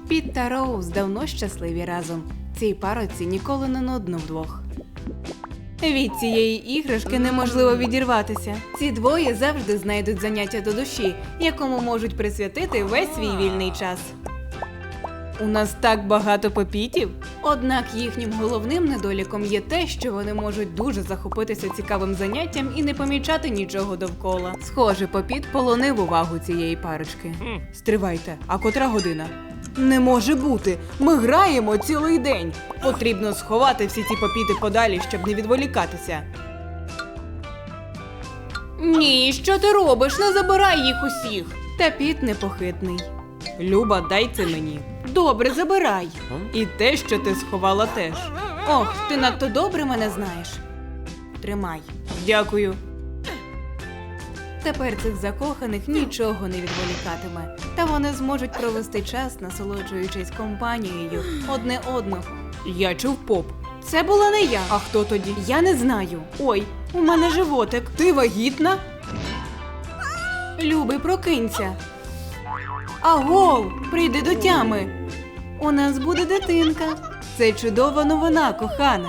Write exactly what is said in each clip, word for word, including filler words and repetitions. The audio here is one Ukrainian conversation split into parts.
Піт та Роуз давно щасливі разом. Цій парочці ніколи не нудно вдвох. Від цієї іграшки неможливо відірватися. Ці двоє завжди знайдуть заняття до душі, якому можуть присвятити весь свій вільний час. У нас так багато попітів. Однак їхнім головним недоліком є те, що вони можуть дуже захопитися цікавим заняттям і не помічати нічого довкола. Схоже, попіт полонив увагу цієї парочки. Стривайте, а котра година? Не може бути! Ми граємо цілий день! Потрібно сховати всі ці попіти подалі, щоб не відволікатися. Ні, що ти робиш? Не забирай їх усіх! Та Піт непохитний. Люба, дай це мені. Добре, забирай. І те, що ти сховала теж. Ох, ти надто добре мене знаєш. Тримай. Дякую. Тепер цих закоханих нічого не відволікатиме. Та вони зможуть провести час, насолоджуючись компанією одне одного. Я чув поп. Це була не я. А хто тоді? Я не знаю. Ой, у мене животик. Ти вагітна? Любий, прокинься. Агов, прийди до тями. У нас буде дитинка. Це чудова новина, кохана.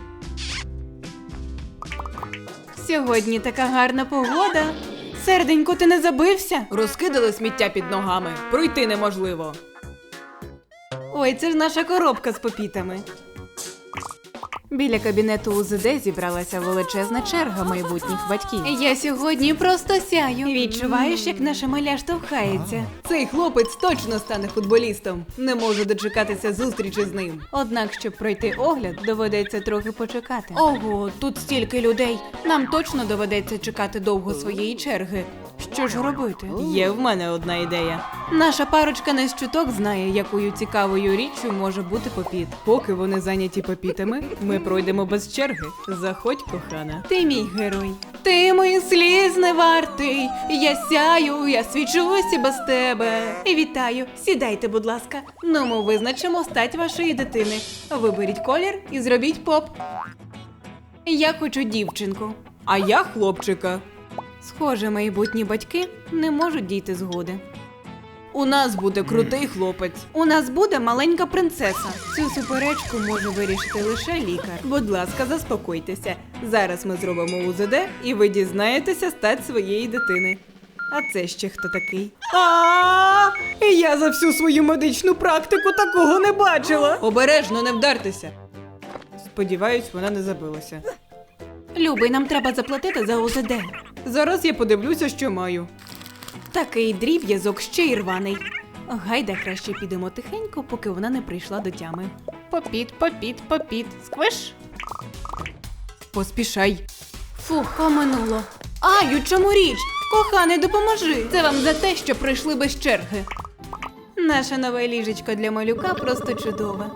Сьогодні така гарна погода. Серденько, ти не забився? Розкидали сміття під ногами. Пройти неможливо. Ой, це ж наша коробка з попітами. Біля кабінету УЗД зібралася величезна черга майбутніх батьків. Я сьогодні просто сяю. Відчуваєш, як наша маля штовхається? Цей хлопець точно стане футболістом. Не можу дочекатися зустрічі з ним. Однак, щоб пройти огляд, доведеться трохи почекати. Ого, тут стільки людей. Нам точно доведеться чекати довго своєї черги. Що ж робити? Є в мене одна ідея. Наша парочка не з чуток знає, якою цікавою річчю може бути попіт. Поки вони зайняті попітами, ми пройдемо без черги. Заходь, кохана. Ти мій герой. Ти мої сліз не вартий. Я сяю, я свічусь і без тебе. І вітаю. Сідайте, будь ласка. Ну, ми визначимо стать вашої дитини. Виберіть колір і зробіть поп. Я хочу дівчинку. А я хлопчика. Схоже, майбутні батьки не можуть дійти згоди. У нас буде крутий хлопець. У нас буде маленька принцеса. Цю суперечку може вирішити лише лікар. Будь ласка, заспокойтеся. Зараз ми зробимо УЗД, і ви дізнаєтеся стать своєї дитини. А це ще хто такий? А, я за всю свою медичну практику такого не бачила. Обережно, не вдартеся. Сподіваюсь, вона не забилася. Любий, нам треба заплатити за УЗД. Зараз я подивлюся, що маю. Такий дріб'язок ще й рваний. Гайда, краще підемо тихенько, поки вона не прийшла до тями. Попіт, попіт, попіт. Сквиш. Поспішай. Фух, оминуло. Ай, у чому річ? Коханий, допоможи. Це вам за те, що прийшли без черги. Наша нове ліжечко для малюка просто чудове.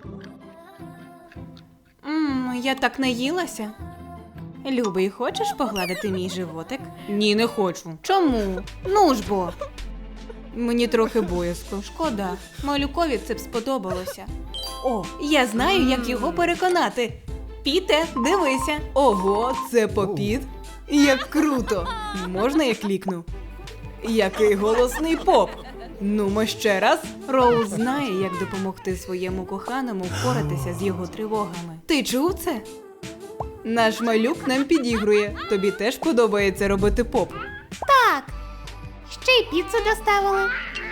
Ммм, я так наїлася. Любий, хочеш погладити мій животик? Ні, не хочу. Чому? Ну ж бо. Мені трохи боязко. Шкода. Малюкові це б сподобалося. О, я знаю, як його переконати. Піте, дивися. Ого, це попіт? Як круто. Можна я клікну? Який голосний поп. Нумо ще раз. Роуз знає, як допомогти своєму коханому впоратися з його тривогами. Ти чув це? Наш малюк нам підігрує. Тобі теж подобається робити поп? Так. Ще й піцу доставили.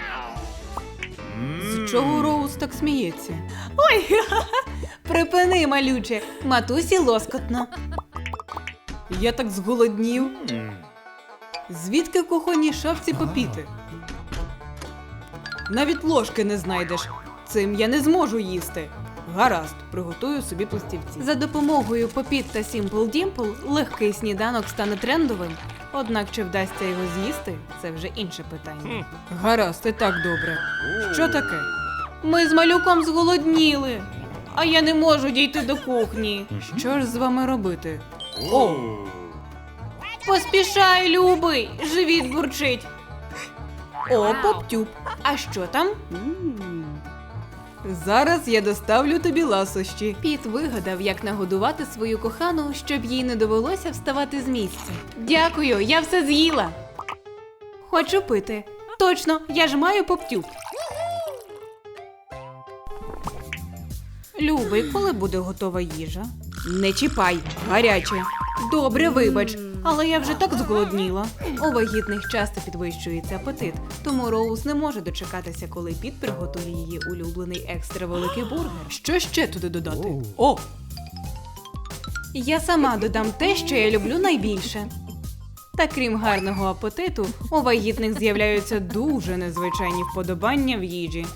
З чого Роуз так сміється? Ой, припини, малюче. Матусі лоскотно. Я так зголоднів. Звідки в кухонній шафці попіти? Навіть ложки не знайдеш. Цим я не зможу їсти. Гаразд, приготую собі пластівці. За допомогою Попіт та Сімпл Дімпл легкий сніданок стане трендовим. Однак, чи вдасться його з'їсти, це вже інше питання. Гаразд, і так добре. Що таке? Ми з малюком зголодніли, а я не можу дійти до кухні. Що ж з вами робити? О! Поспішай, любий, живіт бурчить. О, поптюб. А що там? Зараз я доставлю тобі ласощі. Піт вигадав, як нагодувати свою кохану, щоб їй не довелося вставати з місця. Дякую, я все з'їла. Хочу пити. Точно, я ж маю поптюб. Любий, коли буде готова їжа? Не чіпай, гаряче. Добре, вибач, але я вже так зголодніла. У вагітних часто підвищується апетит, тому Роуз не може дочекатися, коли Піт приготує її улюблений екстра великий бургер. Що ще туди додати? О! Я сама додам те, що я люблю найбільше. Та крім гарного апетиту, у вагітних з'являються дуже незвичайні вподобання в їжі.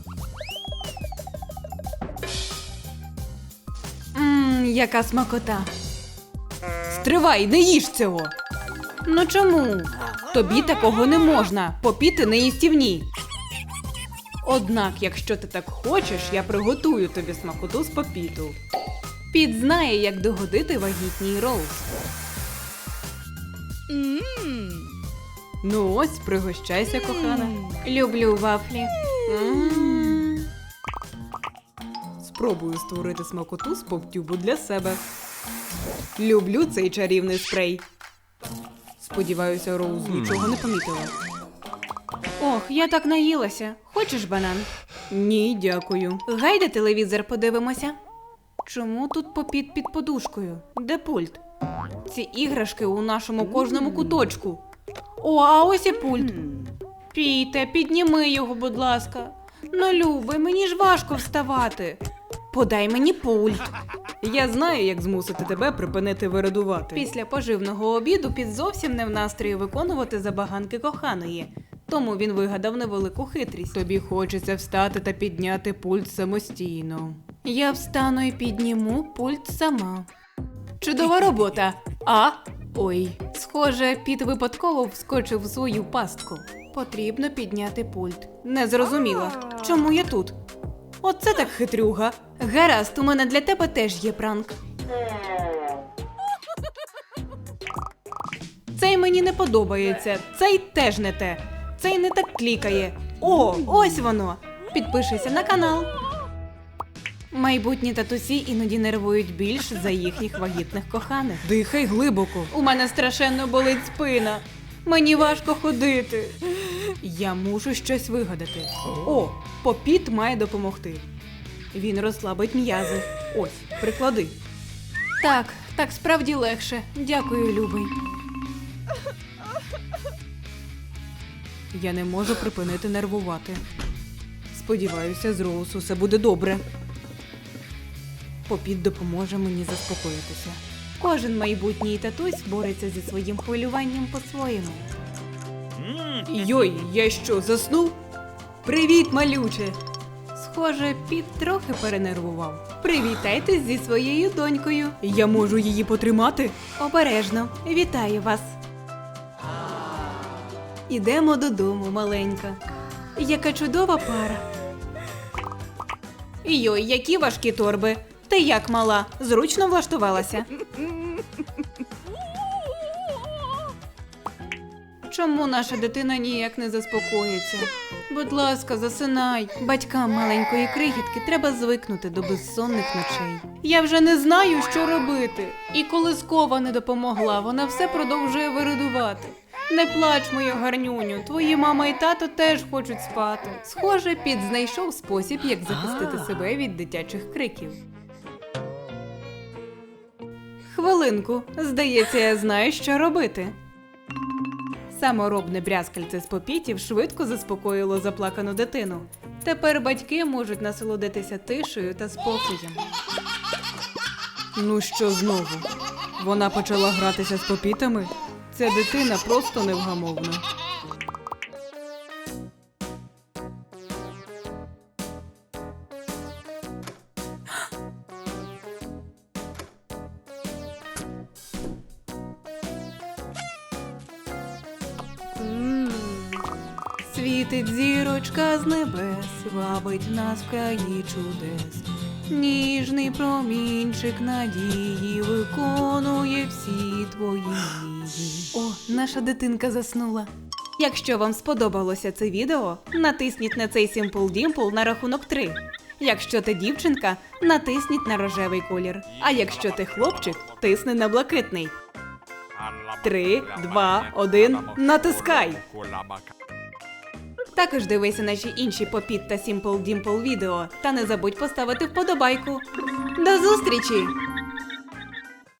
Ммм, яка смакота. Стривай, не їж цього. Ну чому? Тобі такого не можна, попіти не їстівні. Однак, якщо ти так хочеш, я приготую тобі смакоту з попіту. Піт знає, як догодити вагітній Роуз. Ну ось, пригощайся, кохана. Люблю вафлі. М. Спробую створити смакоту з поптюбу для себе. Люблю цей чарівний спрей. Сподіваюся, Роуз нічого не помітила. Ох, я так наїлася. Хочеш банан? Ні, дякую. Гайде телевізор подивимося. Чому тут попіт під подушкою? Де пульт? Ці іграшки у нашому кожному куточку. О, а ось і пульт. Піте, підніми його, будь ласка. Ну, любий, мені ж важко вставати. Подай мені пульт. Я знаю, як змусити тебе припинити вирадувати. Після поживного обіду Піт зовсім не в настрої виконувати забаганки коханої. Тому він вигадав невелику хитрість. Тобі хочеться встати та підняти пульт самостійно. Я встану і підніму пульт сама. Чудова робота. А? Ой. Схоже, Піт випадково вскочив в свою пастку. Потрібно підняти пульт. Не зрозуміла. Чому я тут? Оце так хитрюга. Гаразд, у мене для тебе теж є пранк. Цей мені не подобається. Цей теж не те. Цей не так клікає. О, ось воно. Підпишися на канал. Майбутні татусі іноді нервують більш за їхніх вагітних коханих. Дихай глибоко. У мене страшенно болить спина. Мені важко ходити. Я мушу щось вигадати. О, попіт має допомогти. Він розслабить м'язи. Ось, приклади. Так, так справді легше. Дякую, любий. Я не можу припинити нервувати. Сподіваюся, з Роуз усе буде добре. Попіт допоможе мені заспокоїтися. Кожен майбутній татусь бореться зі своїм хвилюванням по-своєму. Йой, я що, заснув? Привіт, малюче! Схоже, Піт трохи перенервував. Привітайтесь зі своєю донькою. Я можу її потримати? Обережно. Вітаю вас. Ідемо додому, маленька. Яка чудова пара. Йой, які важкі торби. Ти як, мала? Зручно влаштувалася? Чому наша дитина ніяк не заспокоїться? Будь ласка, засинай. Батькам маленької крихітки треба звикнути до безсонних ночей. Я вже не знаю, що робити. І коли скова не допомогла, вона все продовжує виридувати. Не плач, моя гарнюню, твої мама і тато теж хочуть спати. Схоже, Піт знайшов спосіб, як захистити себе від дитячих криків. Хвилинку, здається, я знаю, що робити. Саморобне брязкальце з попітів швидко заспокоїло заплакану дитину. Тепер батьки можуть насолодитися тишею та спокоєм. Ну що знову? Вона почала гратися з попітами? Ця дитина просто невгамовна. Світить зірочка з небес, вабить нас в краї чудес. Ніжний промінчик надії виконує всі твої мрії. О, наша дитинка заснула. Якщо вам сподобалося це відео, натисніть на цей Simple Dimple на рахунок три. Якщо ти дівчинка, натисніть на рожевий колір. А якщо ти хлопчик, тисни на блакитний. Три, два, один, натискай! Також дивися наші інші Попіт та Simple Dimple відео. Та не забудь поставити вподобайку. До зустрічі!